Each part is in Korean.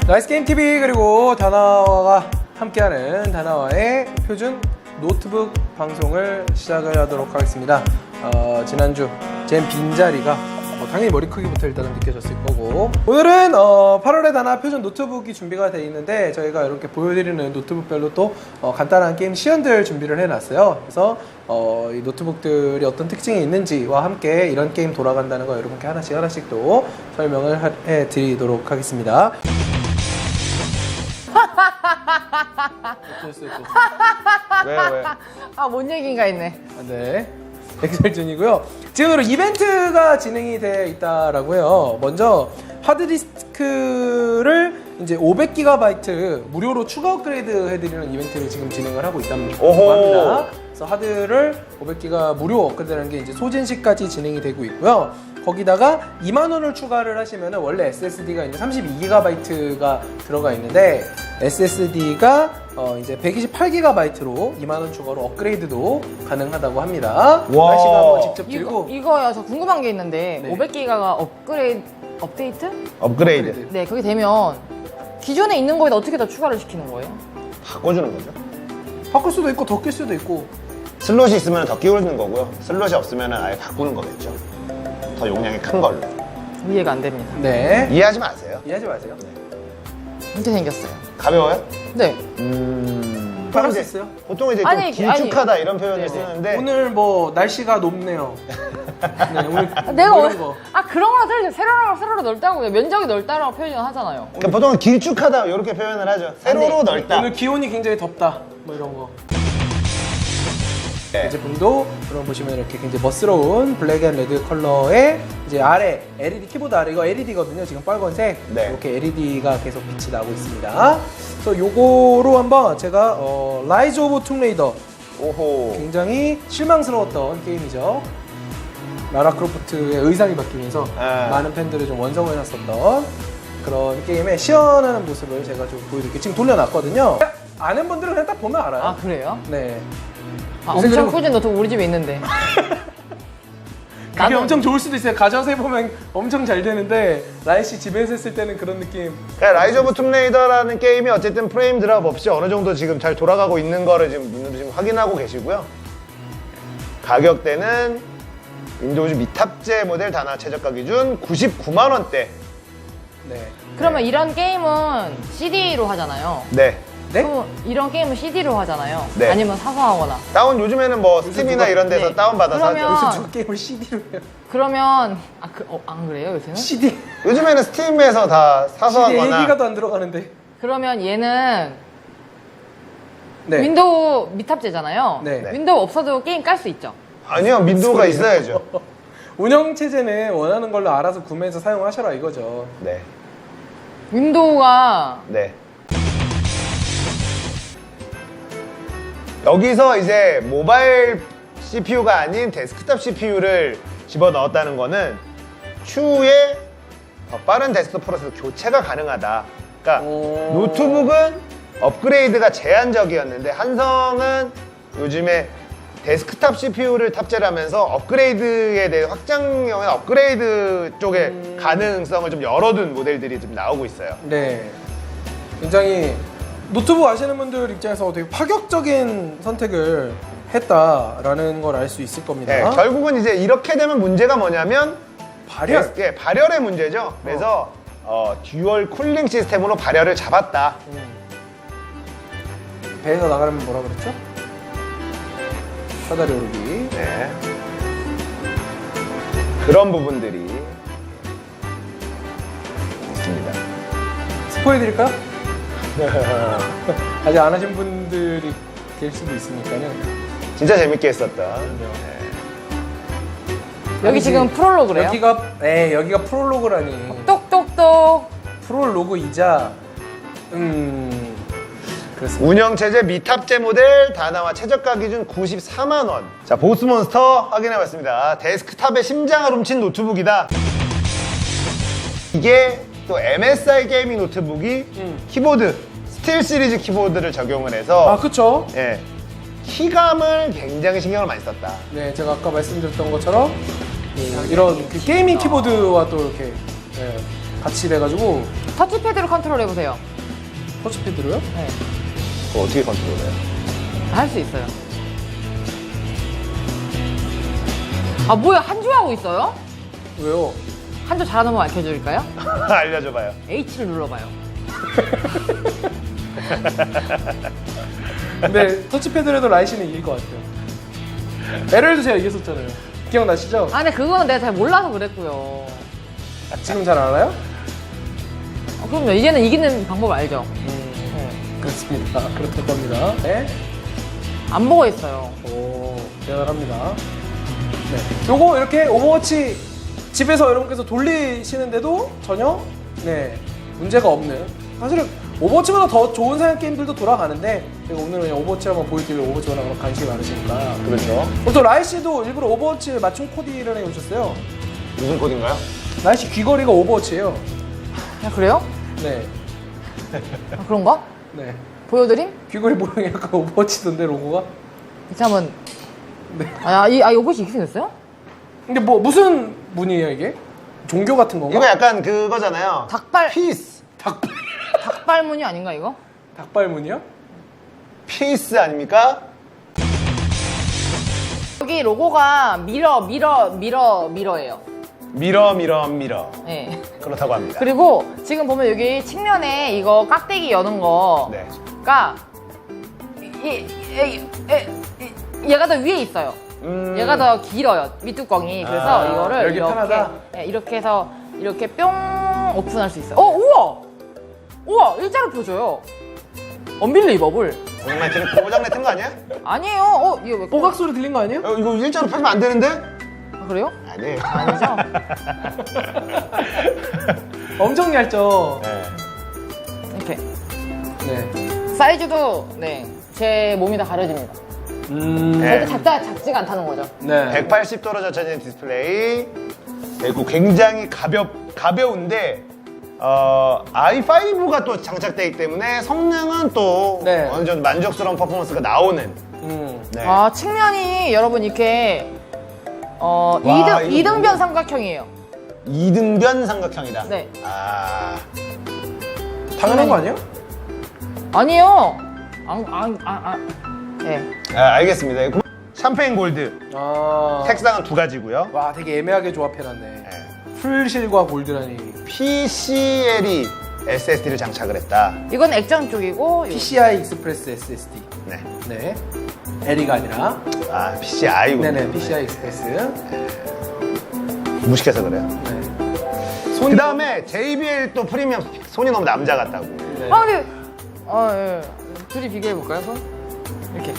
나이스게임TV 그리고 다나와가 함께하는 다나와의 표준 노트북 방송을 시작을 하도록 하겠습니다. 지난주 젠 빈자리가 당연히 머리 크기부터 일단은 느껴졌을 거고, 오늘은 8월에 다나 표준 노트북이 준비가 되어 있는데 저희가 이렇게 보여드리는 노트북별로 또 간단한 게임 시연들 준비를 해놨어요. 그래서 이 노트북들이 어떤 특징이 있는지와 함께 이런 게임 돌아간다는 거 여러분께 하나씩 또 설명을 해드리도록 하겠습니다. 왜? 아, 뭔 얘기인가 했네. 네. 엑셀전이고요. 지금으로 이벤트가 진행이 되어 있다라고 해요. 먼저 하드디스크를 이제 500GB 무료로 추가 업그레이드 해드리는 이벤트를 지금 진행을 하고 있다고 합니다. 그래서 하드를 500GB 무료 업그레이드라는 게 이제 소진시까지 진행이 되고 있고요. 거기다가 2만원을 추가를 하시면 원래 SSD가 이제 32GB가 들어가 있는데 SSD가 이제 128GB로 2만원 추가로 업그레이드도 가능하다고 합니다. 와. 날씨가 한번 직접 들고 이거요. 저 궁금한 게 있는데 네. 500기가가 업데이트? 업그레이드 네, 그게 되면 기존에 있는 거에다 어떻게 더 추가를 시키는 거예요? 바꿔주는 거죠. 바꿀 수도 있고 더 낄 수도 있고. 슬롯이 있으면 더 끼우는 거고요. 슬롯이 없으면 아예 바꾸는 거겠죠. 더 용량이 큰 걸로. 이해가 안 됩니다. 네. 이해하지 마세요. 이해하지 마세요. 이렇게 생겼어요. 가벼워요? 네. 바꿀 수 있어요. 보통 이제 아니, 좀 길쭉하다 이런 네네. 표현을 쓰는데 오늘 뭐 날씨가 높네요. 네, 오늘 내가 뭐 이런 거. 그런 거랑 틀리죠. 세로로 넓다고 면적이 넓다라고 표현을 하잖아요. 그러니까 보통은 길쭉하다 이렇게 표현을 하죠. 세로로 넓다. 오늘 기온이 굉장히 덥다. 뭐 이런 거. 네. 이 제품도 그럼 보시면 이렇게 굉장히 멋스러운 블랙 앤 레드 컬러의 이제 아래 LED 키보드 아래 이거 LED거든요. 지금 빨간색 네. 이렇게 LED가 계속 빛이 나고 있습니다. 그래서 요거로 한번 제가 라이즈 오브 툼레이더 오호. 굉장히 실망스러웠던 게임이죠. 라라 크로프트의 의상이 바뀌면서 많은 팬들을 좀 원성을 해놨었던 그런 게임의 시연하는 모습을 제가 좀 보여드릴게요. 지금 돌려놨거든요. 아는 분들은 그냥 딱 보면 알아요. 아, 그래요? 네. 엄청 그리고- 꾸준 노트북 우리 집에 있는데. 그게 나도- 엄청 좋을 수도 있어요. 가져와서 해보면 엄청 잘 되는데 라이 씨 집에서 했을 때는 그런 느낌. 그러니까 라이즈 오브 툼레이더라는 게임이 어쨌든 프레임 드랍 없이 어느 정도 지금 잘 돌아가고 있는 거를 지금 눈으로 지금 확인하고 계시고요. 가격대는 윈도우즈 미탑재 모델 다나 최저가 기준 99만 원대. 네. 그러면 이런 게임은 CD로 하잖아요. 네. 네? 그럼 이런 게임은 CD로 하잖아요. 네. 아니면 사서 하거나. 다운 요즘에는 뭐 스팀이나 누가- 이런 데서 네. 다운 받아서 그러면- 하죠. 요즘 저 게임을 CD로 해요. 그러면 안 그래요 요새는? CD. 요즘에는 스팀에서 다 사서 CD 하거나 1기가도 안 들어가는데. 그러면 얘는 네. 윈도우 미탑재잖아요. 네. 윈도우 없어도 게임 깔 수 있죠. 아니요, 윈도우가 있어야죠. 운영 체제는 원하는 걸로 알아서 구매해서 사용하셔라 이거죠. 네. 윈도우가 네. 여기서 이제 모바일 CPU가 아닌 데스크탑 CPU를 집어넣었다는 거는 추후에 더 빠른 데스크톱 프로세서 교체가 가능하다. 그러니까 오. 노트북은 업그레이드가 제한적이었는데 한성은 요즘에 데스크탑 CPU를 탑재를 하면서 업그레이드에 대해 확장형의 업그레이드 쪽에 가능성을 좀 열어둔 모델들이 좀 나오고 있어요. 네. 굉장히 노트북 아시는 분들 입장에서 되게 파격적인 선택을 했다라는 걸 알 수 있을 겁니다. 네, 결국은 이제 이렇게 되면 문제가 뭐냐면 발열. 예, 발열의 문제죠. 그래서 듀얼 쿨링 시스템으로 발열을 잡았다. 배에서 나가려면 뭐라 그랬죠? 사다리 오르기. 네. 그런 부분들이 있습니다. 스포해드릴까요? 아직 안 하신 분들이 계실 수도 있으니까요. 진짜 재밌게 했었다. 여기 아니지. 지금 프롤로그래요. 여기가 프롤로그라니. 똑똑똑. 프롤로그이자 그렇습니다. 운영체제 미탑재 모델 다나와 최저가 기준 94만 원. 자, 보스몬스터 확인해봤습니다. 데스크탑의 심장을 훔친 노트북이다. 이게 또 MSI 게이밍 노트북이 키보드 스틸 시리즈 키보드를 적용을 해서 아, 그쵸? 예, 키감을 굉장히 신경을 많이 썼다. 네, 제가 아까 말씀드렸던 것처럼 이런 그 게이밍 키보드와 또 이렇게 같이 돼가지고 터치패드로 컨트롤 해보세요. 터치패드로요? 네. 그거 어떻게 컨트롤해요? 할 수 있어요. 아, 뭐야, 한주 하고 있어요? 왜요? 한주 잘하는 거 알려드릴까요? 알려줘봐요. H를 눌러봐요. 근데 터치패드로 해도 라이시는 이길 것 같아요. LL도 제가 이겼었잖아요. 기억나시죠? 아, 근데 그거는 내가 잘 몰라서 그랬고요. 지금 잘 알아요? 그럼요. 이제는 이기는 방법 알죠? 그렇습니다. 그렇다고 합니다. 네. 안 보고 있어요. 오, 대단합니다. 네. 요거 이렇게 오버워치 집에서 여러분께서 돌리시는데도 전혀 네, 문제가 없는. 사실은 오버워치보다 더 좋은 사양 게임들도 돌아가는데 제가 오늘은 그냥 오버워치 한번 보여드리려고 오버워치 워낙 관심이 많으시니까. 그렇죠. 그리고 또 라이 씨도 일부러 오버워치 맞춤 코디를 해 오셨어요. 무슨 코드인가요? 라이 씨 귀걸이가 오버워치예요. 아, 그래요? 네. 아, 그런가? 네. 보여드림? 귀걸이 모양이 약간 오버워치던데 로고가. 이제 한번. 네. 요것이 이렇게 생겼어요? 근데 뭐 무슨 문이에요 이게? 종교 같은 건가? 이거 약간 그거잖아요. 닭발. 피스. 닭발무늬 아닌가, 이거? 닭발문이요? 피스 아닙니까? 여기 로고가 미러예요. 미러. 네. 그렇다고 합니다. 그리고 지금 보면 여기 측면에 이거 깍대기 여는 거가 네. 얘가 더 위에 있어요. 얘가 더 길어요, 밑뚜껑이. 그래서 아, 이거를 열기 이렇게 편하다? 네, 이렇게 해서 이렇게 뿅 오픈할 수 있어요. 우와, 일자로 펴줘요. 언빌리버블. 고장내 튼 거 아니야? 아니에요. 이거 왜 뽀각 소리 들린 거 아니에요? 이거 일자로 펴면 안 되는데? 아, 그래요? 아니에요. 아니죠. 엄청 얇죠? 네. 이렇게 네. 사이즈도 제 몸이 다 가려집니다. 네. 절대 작지가 않다는 거죠. 네. 180도로 젖혀진 디스플레이. 그리고 굉장히 가벼운데 i5가 또 장착되기 때문에 성능은 또 네. 어느 정도 만족스러운 퍼포먼스가 나오는. 네. 아, 측면이 여러분 이렇게 이거 이등변 삼각형이에요. 이등변 삼각형이다. 네. 아. 당연한 거 아니에요? 아니요. 네. 알겠습니다. 샴페인 골드. 아. 색상은 두 가지고요. 와, 되게 애매하게 조합해놨네. 네. 풀실과 골드라니. PCL이 SSD를 장착을 했다. 이건 액정 쪽이고 PCI 익스프레스 SSD. 네. 네. L이가 아니라. 아, PCI군요. 네네, PCI 익스프레스. 무식해서 그래요. 네. 그 다음에 JBL 또 프리미엄. 손이 너무 남자 같다고. 네. 근데 예. 둘이 비교해 볼까요, 손? 이렇게.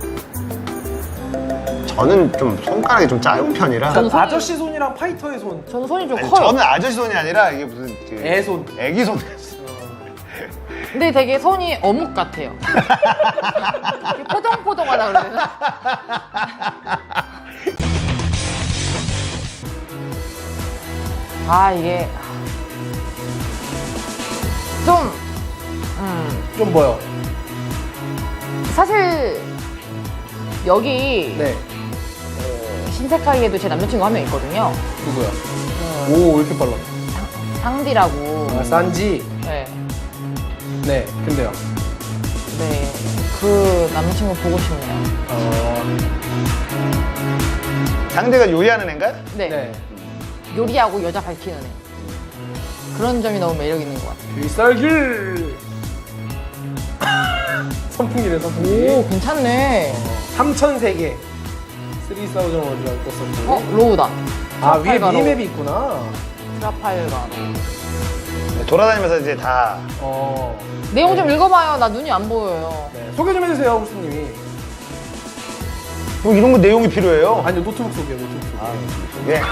저는 좀 손가락이 좀 짧은 편이라. 저는 손이- 아저씨 손이랑 파이터의 손. 저는 손이 좀 아니, 커요. 저는 아저씨 손이 아니라 이게 무슨 애손. 애기 손. 근데 되게 손이 어묵 같아요. 이렇게 포동포동하다 그래야 되나? 이게 좀 좀 뭐요? 사실 여기 네. 신세카이에도 제 남자친구 한 명 있거든요. 누구야? 오, 왜 이렇게 빨라? 상디라고. 아, 산지. 네. 네, 근데요. 네. 그 남자친구 보고 싶네요. 상대가 요리하는 애인가요? 네. 네. 요리하고 여자 밝히는 애. 그런 점이 너무 매력 있는 것 같아요. 비쌀길. 선풍기네, 선풍기. 오, 괜찮네. 3,003개. 3,000 원이라고 떴었고. 로우다. 아, 위에 트라팔가로. 미니맵이 있구나. 트라팔가. 네, 돌아다니면서 이제 다 내용 좀 읽어봐요. 나 눈이 안 보여요. 네. 소개 좀 해주세요, 호스님이. 뭐 이런 거 내용이 필요해요. 아니요, 노트북 소개요, 노트북 소개. 예.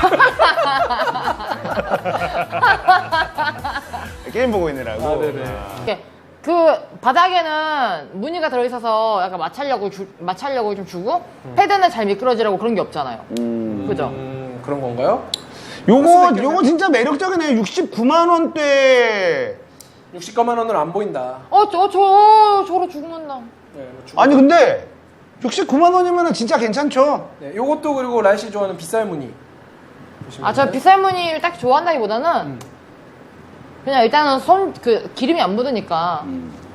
게임 보고 있느라고. 아, 네네. 이렇게 그 바닥에는 무늬가 들어있어서 약간 마찰력을 좀 주고 패드는 잘 미끄러지라고 그런 게 없잖아요. 그죠? 그런 건가요? 요거 진짜 매력적이네요. 69만 원대. 60가만 원은 안 보인다. 저로 죽는다. 네, 뭐 주고. 아니 근데 69만 원이면 진짜 괜찮죠. 네, 요것도 그리고 라이씨 좋아하는 빗살 무늬. 보시면 저 비쌀 무늬를 딱 좋아한다기보다는 그냥 일단은 기름이 안 묻으니까.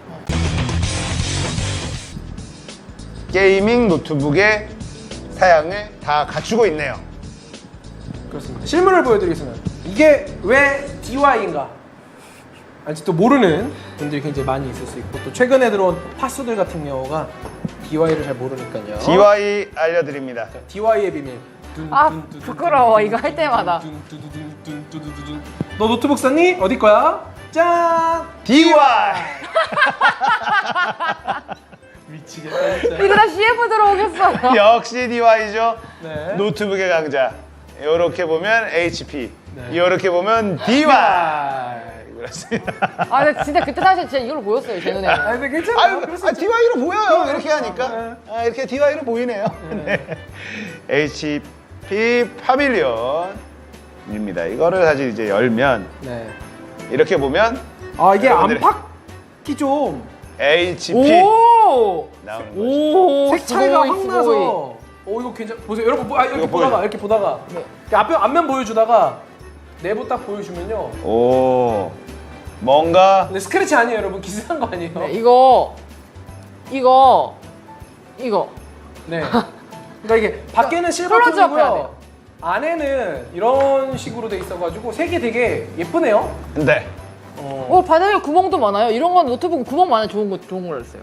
게이밍 노트북의 사양을 다 갖추고 있네요. 그렇습니다. 실물을 보여드리겠습니다. 이게 왜 DY인가? 아직도 모르는 분들이 굉장히 많이 있을 수 있고 또 최근에 들어온 파수들 같은 경우가 DY를 잘 모르니까요. DY 알려드립니다. DY의 비밀. 아, 부끄러워. 이거 할 때마다. 너 노트북 샀니? 어디 거야? 짠! DY! 미치겠다 진짜. 이러다 CF 들어오겠어. 역시 DY죠. 네. 노트북의 강자. 요렇게 보면 HP. 네. 요렇게 보면 DY. 그렇습니다. 아, 근데 진짜 그때 당시에 진짜 이걸로 보였어요, 제 눈에는. 아 근데 괜찮아요. DY로 보여요. 이렇게 하니까. 네. 아, 이렇게 DY로 보이네요. 네. HP 파밀리언입니다. 이거를 사실 이제 열면 네. 이렇게 보면 아 이게 여러분들이- 안팎이 좀 HP 오! 나오는 거죠. 오! 색 차이가 스고이, 확 스고이. 나서 보이고 괜찮 보세요 여러분 이렇게 이거 보다가 보여요. 이렇게 보다가 네. 앞면 보여주다가 내부 딱 보여주면요 오, 뭔가 근데 스크래치 아니에요 여러분 기스한 거 아니에요 네, 이거. 네 그러니까 이게 밖에는 클로즈업 해야 실버톤이고요 돼요. 안에는 이런 식으로 돼 있어가지고 색이 되게 예쁘네요 네. 오, 바닥에 구멍도 많아요. 이런 건 노트북 구멍 많아요. 좋은 걸로 했어요.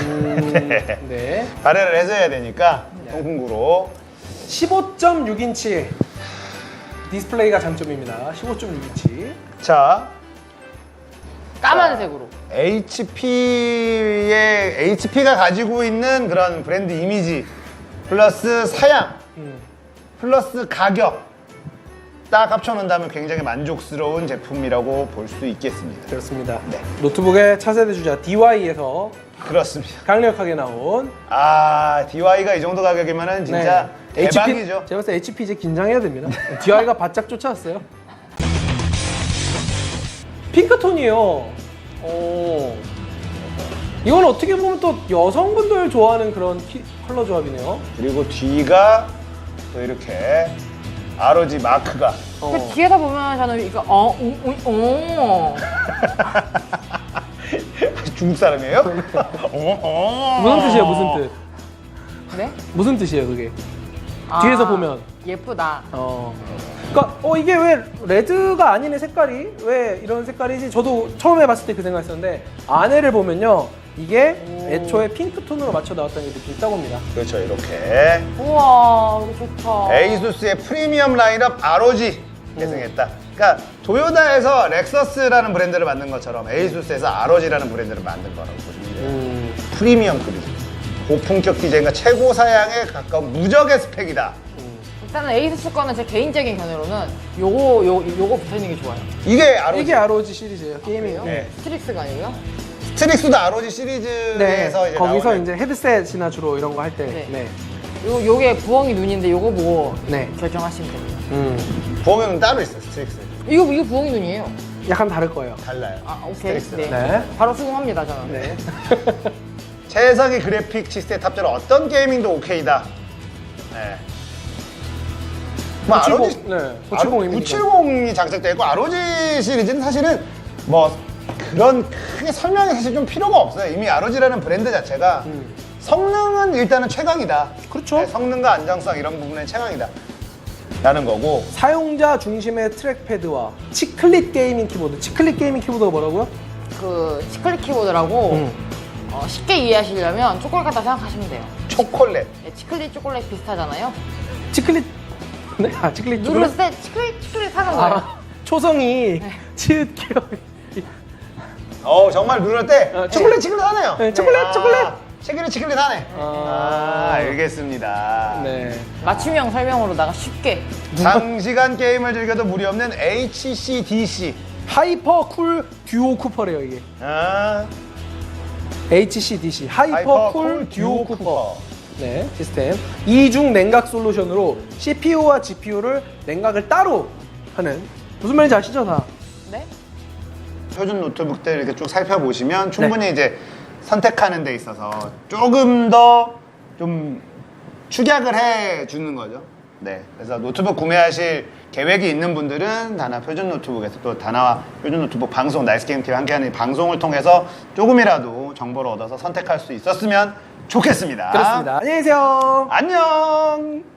네 발열을 해줘야 되니까 통풍구로 15.6인치 디스플레이가 장점입니다 15.6인치 자 까만색으로. HP가 가지고 있는 그런 브랜드 이미지 플러스 사양 플러스 가격 딱 합쳐놓는다면 굉장히 만족스러운 제품이라고 볼 수 있겠습니다. 그렇습니다 네. 노트북의 차세대 주자 DY에서 그렇습니다. 강력하게 나온 DY가 이 정도 가격이면은 진짜 대박이죠. 제가 봤을 때 HP 이제 긴장해야 됩니다. DY가 바짝 쫓아왔어요. 핑크톤이에요. 오. 이건 어떻게 보면 또 여성분들 좋아하는 그런 컬러 조합이네요. 그리고 뒤가 또 이렇게 ROG 마크가 그 뒤에다 보면 저는 이거 중국 사람이에요? 무슨 뜻이에요? 무슨 뜻? 네? 무슨 뜻이에요, 그게? 뒤에서 보면. 예쁘다. 그러니까 이게 왜 레드가 아니네 색깔이 왜 이런 색깔이지? 저도 처음에 봤을 때 그 생각했었는데 안에를 보면요 이게 애초에 핑크톤으로 맞춰 나왔다는 게 느낌이 있다고 합니다. 그렇죠, 이렇게 우와, 이거 좋다. 에이수스의 프리미엄 라인업 ROG 계승했다. 그러니까 도요타에서 렉서스라는 브랜드를 만든 것처럼 에이수스에서 ROG라는 브랜드를 만든 거라고 보시면 돼요. 프리미엄 급이죠. 고품격 디자인과 최고 사양에 가까운 무적의 스펙이다. 일단은 에이수스 거는 제 개인적인 견해로는 요거 붙어있는 게 좋아요. 이게 ROG. 이게 ROG 시리즈예요. 게이밍. 네. 스트릭스가 아니고요? 스트릭스도 ROG 네. 시리즈에서 이제 거기서 나오는 이제 헤드셋이나 주로 이런 거 할 때. 네. 네. 요게 부엉이 눈인데 요거 보고 네. 결정하시면 됩니다. 부엉이는 따로 있어, 스트릭스. 이거 부엉이 눈이에요. 약간 다를 거예요. 달라요. 아, 오케이. 스트릭스. 네. 네. 바로 수긍합니다, 저는. 네. 최상의 그래픽 시스템 탑재로 어떤 게이밍도 오케이다. 네. 뭐 970, 네. 970입니다. 970이 장착되어 있고 ROG 시리즈는 사실은 뭐 그런 크게 설명이 사실 좀 필요가 없어요. 이미 ROG라는 브랜드 자체가 성능은 일단은 최강이다. 그렇죠. 네, 성능과 안정성 이런 부분은 최강이다. 라는 거고 사용자 중심의 트랙패드와 치클릿 게이밍 키보드. 치클릿 게이밍 키보드가 뭐라고요? 그 치클릿 키보드라고 쉽게 이해하시려면 초콜릿 같다 생각하시면 돼요. 초콜릿. 네, 치클릿 초콜릿 비슷하잖아요. 치클릿. 네, 치클릿 누르실 때 치클릿 하는 거예요. 초성이 치읓 기억. 정말 누를 때 초콜릿 치클릿하네요. 네, 초콜릿. 치클릿하네. 알겠습니다. 네. 맞춤형 설명으로다가 쉽게. 장시간 게임을 즐겨도 무리 없는 HCDC. 하이퍼 쿨 듀오 쿠퍼래요 이게. HCDC 하이퍼 쿨 듀오 쿠퍼. 네, 시스템. 이중 냉각 솔루션으로 CPU와 GPU를 냉각을 따로 하는. 무슨 말인지 아시죠, 다? 네? 표준 노트북들 이렇게 쭉 살펴보시면 충분히 이제 선택하는 데 있어서 조금 더 좀 축약을 해 주는 거죠. 네. 그래서 노트북 구매하실 계획이 있는 분들은 다나 표준 노트북에서 또 다나와 표준 노트북 방송 나이스게임TV 함께하는 이 방송을 통해서 조금이라도 정보를 얻어서 선택할 수 있었으면 좋겠습니다. 그렇습니다. 안녕히 계세요. 안녕.